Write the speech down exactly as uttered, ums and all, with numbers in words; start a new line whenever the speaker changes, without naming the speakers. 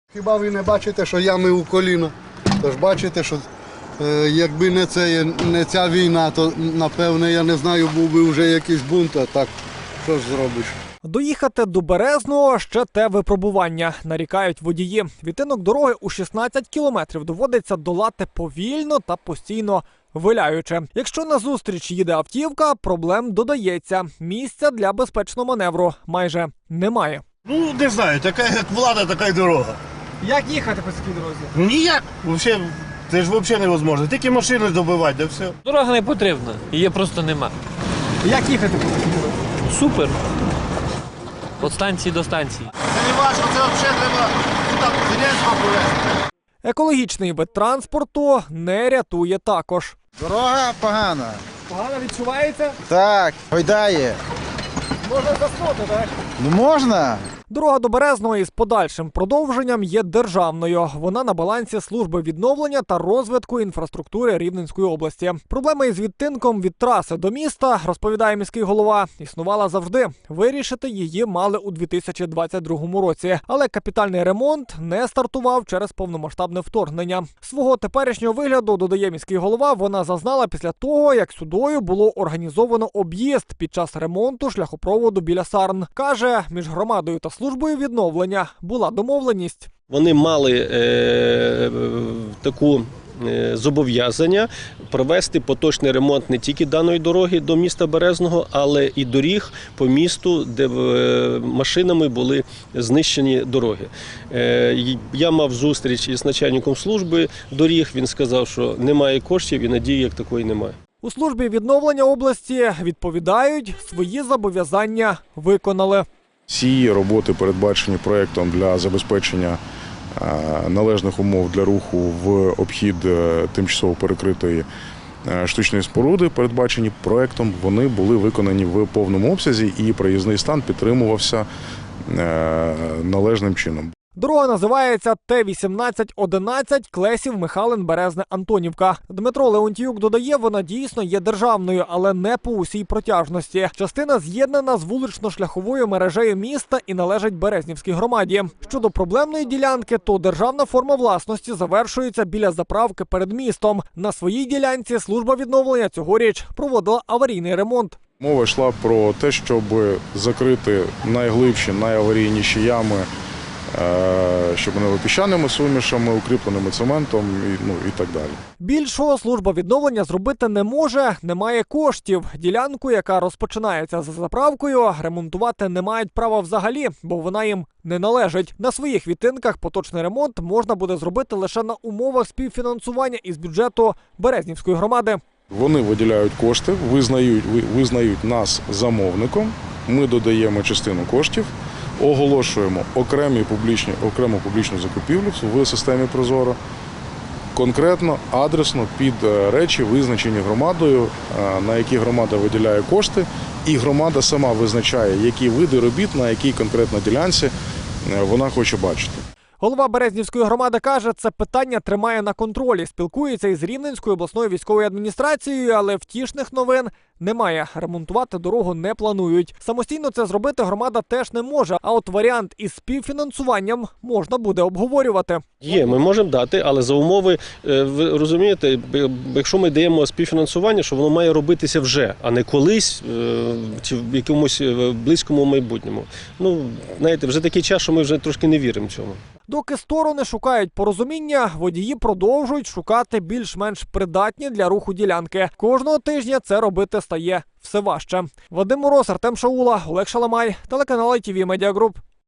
Хіба ви не бачите, що ями у коліна? Тож бачите, що е, якби не, це, не ця війна, то напевне, я не знаю, був би вже якийсь бунт, а так що ж зробиш?
Доїхати до Березного – ще те випробування, нарікають водії. Відтинок дороги у шістнадцять кілометрів доводиться долати повільно та постійно виляючи. Якщо назустріч їде автівка, проблем додається. Місця для безпечного маневру майже немає.
Ну, не знаю, така як влада, така й дорога.
Як їхати по цій дорозі?
Ну ніяк, взагалі, це ж взагалі невозможно. Тільки машини добивати, да все.
Дорога не потрібна, її просто нема.
Як їхати по цій дорозі?
Супер. Від станції до станції.
Це не важко, це взагалі треба там Зеленського повезти.
Екологічний вид транспорту не рятує також.
Дорога погана.
Погано відчувається?
Так, гойдає.
Можна заснути, так?
Ну можна.
Дорога до Березного із подальшим продовженням є державною. Вона на балансі служби відновлення та розвитку інфраструктури Рівненської області. Проблема із відтинком від траси до міста, розповідає міський голова, існувала завжди. Вирішити її мали у дві тисячі двадцять другому році. Але капітальний ремонт не стартував через повномасштабне вторгнення. Свого теперішнього вигляду, додає міський голова, вона зазнала після того, як сюдою було організовано об'їзд під час ремонту шляхопроводу біля Сарн. Каже, між громадою та службою відновлення була домовленість.
Вони мали е, таку е, зобов'язання провести поточний ремонт не тільки даної дороги до міста Березного, але і доріг по місту, де е, машинами були знищені дороги. Е, я мав зустріч із начальником служби доріг, він сказав, що немає коштів і надії як такої немає.
У службі відновлення області відповідають, свої зобов'язання виконали.
Ці роботи передбачені проєктом для забезпечення належних умов для руху в обхід тимчасово перекритої штучної споруди, передбачені проєктом, вони були виконані в повному обсязі і проїзний стан підтримувався належним чином.
Дорога називається Т вісімнадцять одинадцять Клесів, Михалин, Березне, Антонівка. Дмитро Леонтіюк додає, вона дійсно є державною, але не по усій протяжності. Частина з'єднана з вулично-шляховою мережею міста і належить Березнівській громаді. Щодо проблемної ділянки, то державна форма власності завершується біля заправки перед містом. На своїй ділянці служба відновлення цьогоріч проводила аварійний ремонт.
Мова йшла про те, щоб закрити найглибші, найаварійніші ями, щоб вони були піщаними сумішами, укріпленими цементом і, ну, і так далі.
Більшого служба відновлення зробити не може, немає коштів. Ділянку, яка розпочинається за заправкою, ремонтувати не мають права взагалі, бо вона їм не належить. На своїх відтинках поточний ремонт можна буде зробити лише на умовах співфінансування із бюджету Березнівської громади.
Вони виділяють кошти, визнають, визнають нас замовником, ми додаємо частину коштів, оголошуємо окремі публічні, окрему публічну закупівлю в системі Прозоро, конкретно, адресно під речі, визначені громадою, на які громада виділяє кошти, і громада сама визначає, які види робіт, на якій конкретно ділянці вона хоче бачити.
Голова Березнівської громади каже, це питання тримає на контролі. Спілкується із Рівненською обласною військовою адміністрацією, але втішних новин немає. Ремонтувати дорогу не планують. Самостійно це зробити громада теж не може, а от варіант із співфінансуванням можна буде обговорювати.
Є, ми можемо дати, але за умови, ви розумієте, якщо ми даємо співфінансування, що воно має робитися вже, а не колись, чи в якомусь близькому майбутньому. Ну, знаєте, вже такий час, що ми вже трошки не віримо цьому.
Доки сторони шукають порозуміння, водії продовжують шукати більш-менш придатні для руху ділянки. Кожного тижня це робити стає все важче. Вадим Мороз, Артем Шаула, Олег Шаламай, телеканал ай ті ві Медіа Груп.